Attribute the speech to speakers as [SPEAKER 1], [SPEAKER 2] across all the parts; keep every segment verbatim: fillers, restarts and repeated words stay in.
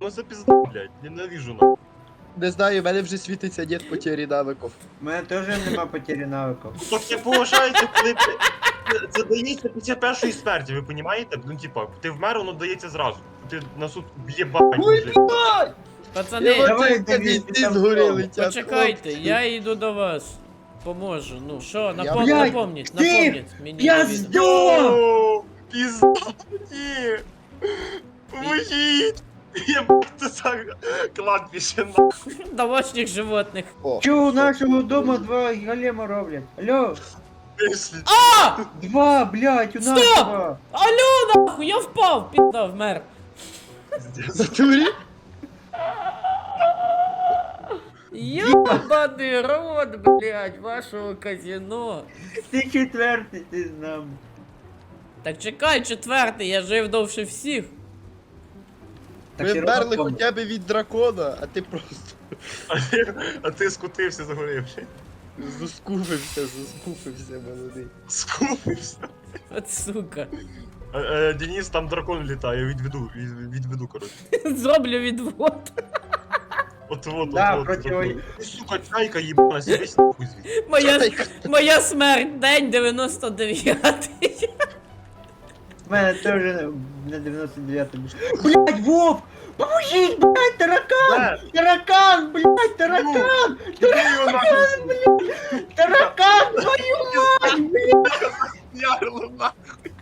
[SPEAKER 1] Ну це пізда, блядь, ненавижу нахуй.
[SPEAKER 2] Не знаю, в мене вже світиться нет потері навиків.
[SPEAKER 3] У мене теж нема потері навиків.
[SPEAKER 1] Так це поважається, коли ти... Це дається після першої смерті, ви розумієте? Ну типа, ти вмер, воно дається зразу. Ти на суд в'єбать вже.
[SPEAKER 4] Пацани,
[SPEAKER 3] Давай,
[SPEAKER 2] Давай,
[SPEAKER 3] Давід,
[SPEAKER 2] ти
[SPEAKER 3] там
[SPEAKER 2] згори
[SPEAKER 3] хто?
[SPEAKER 2] летять.
[SPEAKER 4] почекайте,
[SPEAKER 2] хлопці.
[SPEAKER 4] я йду до вас. Поможу. Ну що, напом...
[SPEAKER 3] Блядь,
[SPEAKER 4] напомніть,
[SPEAKER 3] ти
[SPEAKER 4] напомніть мені.
[SPEAKER 3] пізда!
[SPEAKER 4] Давіда.
[SPEAKER 1] О, пізда, ні. Поможіть. Єбать, це за кладбище нахуй.
[SPEAKER 4] Домашніх животних.
[SPEAKER 2] О,
[SPEAKER 3] Чого у нашого дому два голема роблять? Алло,
[SPEAKER 1] Вийшли.
[SPEAKER 4] А!
[SPEAKER 3] два, блядь, у нас
[SPEAKER 4] Стоп!
[SPEAKER 3] два.
[SPEAKER 4] Алло, нахуй, я впав, підда, вмер.
[SPEAKER 2] затурі?
[SPEAKER 4] Ёбаний рот, блядь, вашого казино.
[SPEAKER 3] Ти четвертий, ти з нами.
[SPEAKER 4] Так чекай, четвертий, я жив довше всіх.
[SPEAKER 3] Так
[SPEAKER 2] Ми
[SPEAKER 3] ти
[SPEAKER 2] вмерли
[SPEAKER 3] робиш помилку.
[SPEAKER 2] хоча б від дракона, а ти просто
[SPEAKER 1] А ти, а ти скутився загорівши.
[SPEAKER 2] заскуфився, заскуфився, молодий.
[SPEAKER 1] Скупився.
[SPEAKER 4] От сука.
[SPEAKER 1] Е, е, Денис, там дракон літає, відведу, від- відведу, коротше.
[SPEAKER 4] Зроблю відвод.
[SPEAKER 1] От вот,
[SPEAKER 3] Да,
[SPEAKER 1] от вот.
[SPEAKER 3] проти
[SPEAKER 1] дракон.
[SPEAKER 3] ой-
[SPEAKER 1] Ти, сука, чайка їбана, сидись нахуй звідси.
[SPEAKER 4] Моя,
[SPEAKER 2] Чайка.
[SPEAKER 4] моя смерть, день дев'яносто дев'ятий.
[SPEAKER 3] У мене теж на дев'яносто дев'ятому. Блядь, Вов! Поможіть, блядь, таракан!
[SPEAKER 1] Де?
[SPEAKER 3] Таракан, блядь, таракан!
[SPEAKER 1] Іди його нахуй,
[SPEAKER 3] Таракан, твою мать, блядь!
[SPEAKER 1] ярло нахуй.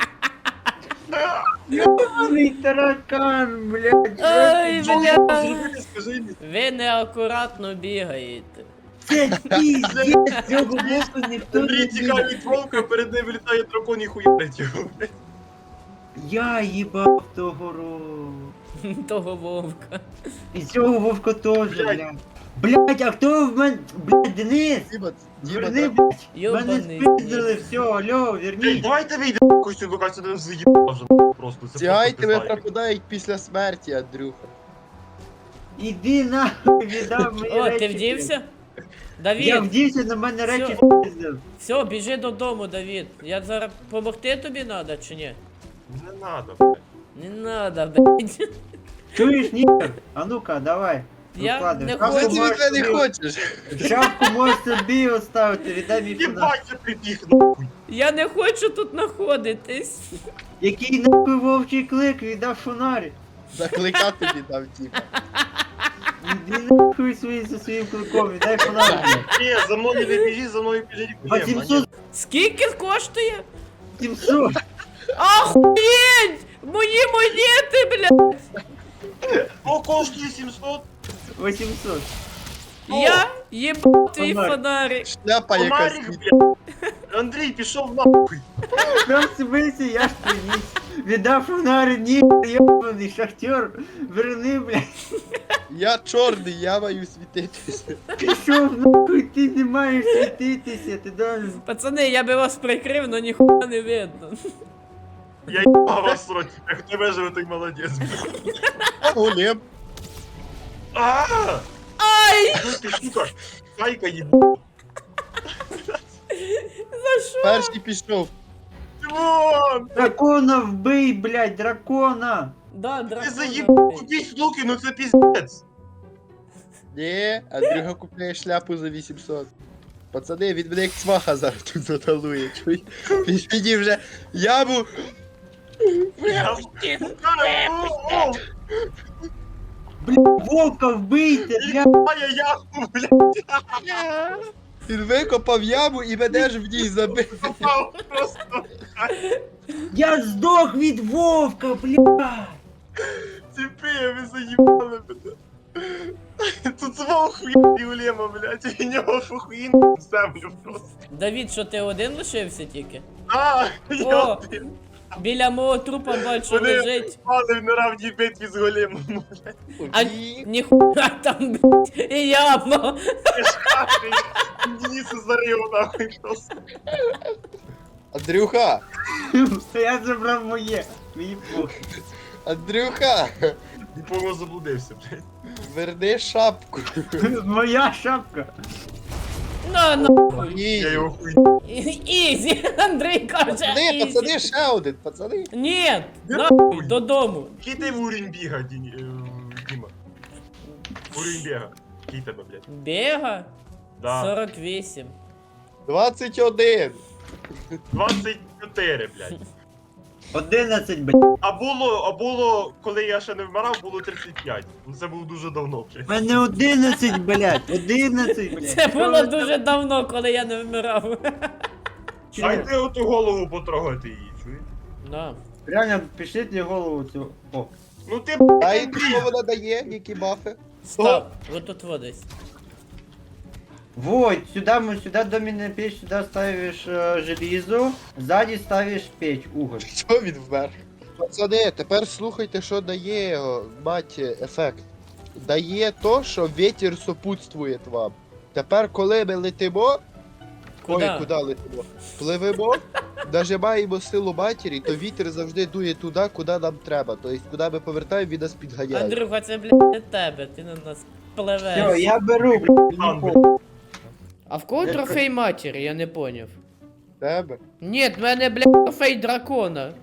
[SPEAKER 3] Ёбаный таракан, блядь!
[SPEAKER 4] Ой,
[SPEAKER 1] Що
[SPEAKER 4] бля.
[SPEAKER 1] мені зробити, скажи мені?
[SPEAKER 4] Ви неакуратно бігаєте.
[SPEAKER 3] Це піздець, цього боку ніхто
[SPEAKER 1] Андрій
[SPEAKER 3] не
[SPEAKER 1] тікає
[SPEAKER 3] бігає.
[SPEAKER 1] від вовка, перед ним літає дракон і хуярить його.
[SPEAKER 3] Я їбав того року.
[SPEAKER 4] Того вовка.
[SPEAKER 3] І цього вовка теж,
[SPEAKER 1] Блядь.
[SPEAKER 3] блядь. Блядь, а хто в мене? Блядь, Денис!
[SPEAKER 2] Діма, Діма,
[SPEAKER 3] Верни,
[SPEAKER 2] дракон.
[SPEAKER 3] блядь! Мене
[SPEAKER 4] Йобаний.
[SPEAKER 3] спиздили, все, алло,
[SPEAKER 1] Ей,
[SPEAKER 3] верніть!
[SPEAKER 1] давайте вийдемо, якось ти викачати не заїбав вже просто. Це
[SPEAKER 2] Ці айтеми
[SPEAKER 1] просто пизда.
[SPEAKER 2] пропадають після смерті, Андрюха.
[SPEAKER 3] Іди нахуй, віддав мені
[SPEAKER 4] О,
[SPEAKER 3] речі.
[SPEAKER 4] ти вдівся?
[SPEAKER 3] Я
[SPEAKER 4] Давід,
[SPEAKER 3] вдівся, на мене
[SPEAKER 4] Всьо.
[SPEAKER 3] речі спиздив.
[SPEAKER 4] все, біжи додому, Давід. Я зараз помогти тобі надо чи ні?
[SPEAKER 1] Не надо, блядь.
[SPEAKER 4] Не надо, блядь.
[SPEAKER 3] Чуєш, нігер? А ну-ка, давай.
[SPEAKER 4] Я
[SPEAKER 3] Викладай.
[SPEAKER 4] не
[SPEAKER 3] Шапку
[SPEAKER 2] Що
[SPEAKER 4] хочу.
[SPEAKER 2] ти
[SPEAKER 3] можеш
[SPEAKER 2] від мене
[SPEAKER 3] собі-
[SPEAKER 2] хочеш?
[SPEAKER 3] Шапку можеш собі оставити, віддай мій фонарь.
[SPEAKER 1] Єбать, я прибіг нахуй.
[SPEAKER 4] Я не хочу тут знаходитись.
[SPEAKER 3] Який нахуй вовчий клик, віддав фонарь.
[SPEAKER 2] Закликати тобі дав, Діма.
[SPEAKER 3] Іди нахуй свої зі своїм кликом, віддай фонарь.
[SPEAKER 1] Ні, за мною не біжи, за мною біжить Глеб, а ні.
[SPEAKER 3] вісімсот,
[SPEAKER 4] Скільки коштує?
[SPEAKER 3] сімсот.
[SPEAKER 4] Охуєть! Мої монети, блядь!
[SPEAKER 1] О, коштує сімсот.
[SPEAKER 3] вісімсот.
[SPEAKER 4] Я їбав твій
[SPEAKER 3] Фонарик.
[SPEAKER 4] фонарик.
[SPEAKER 2] Шляпа якась.
[SPEAKER 1] Фонарик, блядь. Андрій, пішов нахуй.
[SPEAKER 3] Там смисі, я ж приніс. Віддав фонарь, нігер, йобаний шахтер. Верни, блядь.
[SPEAKER 2] Я чорний, я маю світитися.
[SPEAKER 3] Пішов нахуй, ти не маєш світитися, ти должен.
[SPEAKER 4] Пацани, я би вас прикрив, но ніхуя не видно.
[SPEAKER 1] Я їбав вас срочно. Як не виживе, той молодець.
[SPEAKER 2] Голем.
[SPEAKER 1] Ааа!
[SPEAKER 4] Ай!
[SPEAKER 1] Ну ти, сука, чайка їбав.
[SPEAKER 4] За що?
[SPEAKER 2] Перший пішов.
[SPEAKER 1] Димон!
[SPEAKER 3] Дракона вбий, блядь, дракона!
[SPEAKER 4] Да,
[SPEAKER 1] Ти
[SPEAKER 4] дракон.
[SPEAKER 1] заїбав, купіть луки, ну це піздець.
[SPEAKER 2] Ні, Андрюха купляє шляпу за вісімсот. Пацани, він мене як цваха зараз тут заталує. Чуй? Він мені вже яму.
[SPEAKER 3] Блядь, вовка вбийте, блядь!
[SPEAKER 1] Єбає яху, блядь,
[SPEAKER 2] Він викопав яму і мене ж в ній забив.
[SPEAKER 1] попав просто.
[SPEAKER 3] Я здох від вовка, блядь!
[SPEAKER 1] Ціпи, ви заїбали мене. Тут свого хуя Улема, блядь, і в нього фухуїн в землю просто.
[SPEAKER 4] Давід, що ти один лишився тільки?
[SPEAKER 1] А, я
[SPEAKER 4] О!
[SPEAKER 1] один.
[SPEAKER 4] Біля мого трупа бачу
[SPEAKER 1] Вони
[SPEAKER 4] лежить.
[SPEAKER 1] впали в неравній битві з големом, блядь.
[SPEAKER 4] А ніхуя там, блядь, і яма.
[SPEAKER 1] Я ж кажу, Дениса зарив нахуй просто.
[SPEAKER 2] Андрюха!
[SPEAKER 3] Я забрав моє, мені похуй.
[SPEAKER 2] Андрюха!
[SPEAKER 1] Діпого заблудився, блядь.
[SPEAKER 2] Верни шапку.
[SPEAKER 3] Моя шапка.
[SPEAKER 4] На нахуй.
[SPEAKER 1] Я
[SPEAKER 2] Ізі.
[SPEAKER 1] його хуй.
[SPEAKER 4] Ізі, Андрій каже,
[SPEAKER 2] Пацани,
[SPEAKER 4] ізі.
[SPEAKER 2] пацани, ще один, пацани.
[SPEAKER 4] Ні, нахуй, додому.
[SPEAKER 1] Який ти уровень біга, Дін- е, Діма? Уровень біга. Який тебе, блядь?
[SPEAKER 4] Бега?
[SPEAKER 1] Да.
[SPEAKER 4] сорок вісім.
[SPEAKER 2] двадцять один.
[SPEAKER 1] двадцять чотири, блядь.
[SPEAKER 3] одинадцять, блядь.
[SPEAKER 1] А було, а було, коли я ще не вмирав, було тридцять п'ять. Ну це було дуже давно,
[SPEAKER 3] У
[SPEAKER 1] блядь.
[SPEAKER 3] мене одинадцять, блядь. одинадцять, блядь.
[SPEAKER 4] Це було дуже давно, коли я не вмирав.
[SPEAKER 1] Дайте оту голову потрогати її, чуєш?
[SPEAKER 4] На.
[SPEAKER 3] Реально, пішліть їй голову цю. О.
[SPEAKER 1] Ну ти,
[SPEAKER 2] А
[SPEAKER 1] блядь,
[SPEAKER 2] і що вона дає, які бафи?
[SPEAKER 4] Стоп, вот тут вот десь.
[SPEAKER 3] Вот, сюда мы сюда доменная печь, сюда ставишь э, железо, сзади ставишь печь, уголь.
[SPEAKER 2] Що він вмер? Пацани, тепер слухайте, що дає о, мать ефект. Дає то, що вітер сопутствує вам. Тепер, коли ми летимо,
[SPEAKER 4] Куда?
[SPEAKER 2] ой, куди летимо? Пливемо, нажимаємо силу матері, то вітер завжди дує туди, куди нам треба. Тобто, куди ми повертаємо, він нас підганяє.
[SPEAKER 4] Андрюха, це, блядь, не тебе, ти на нас
[SPEAKER 3] Все,
[SPEAKER 4] пливеш.
[SPEAKER 3] я беру, блядь,
[SPEAKER 1] Ладно.
[SPEAKER 3] нікого.
[SPEAKER 4] А в кого трофей матері, я не поняв.
[SPEAKER 2] Тебе?
[SPEAKER 4] Ні, в мене, блядь, трофей дракона.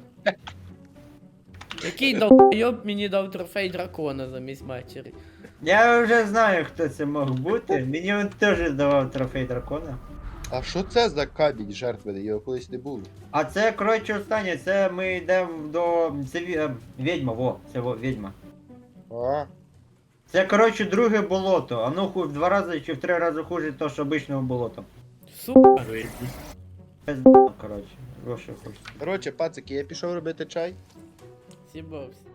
[SPEAKER 4] Який долбойоб мені дав трофей дракона замість матері?
[SPEAKER 3] Я вже знаю, хто це мог бути. Мені він теж давав трофей дракона.
[SPEAKER 2] А що це за камінь жертвений? Його колись не було.
[SPEAKER 3] А це, коротше, останнє, це ми йдемо до. Це ві- е, відьма, во, це во, відьма.
[SPEAKER 2] А,
[SPEAKER 3] Це, коротше, друге болото. Оно ху- в два рази чи в три рази хуже того, що обичного болота.
[SPEAKER 4] Сука.
[SPEAKER 3] Пизда, коротше, гроші хочеться.
[SPEAKER 2] коротше, пацики, я пішов робити чай.
[SPEAKER 4] Сібався.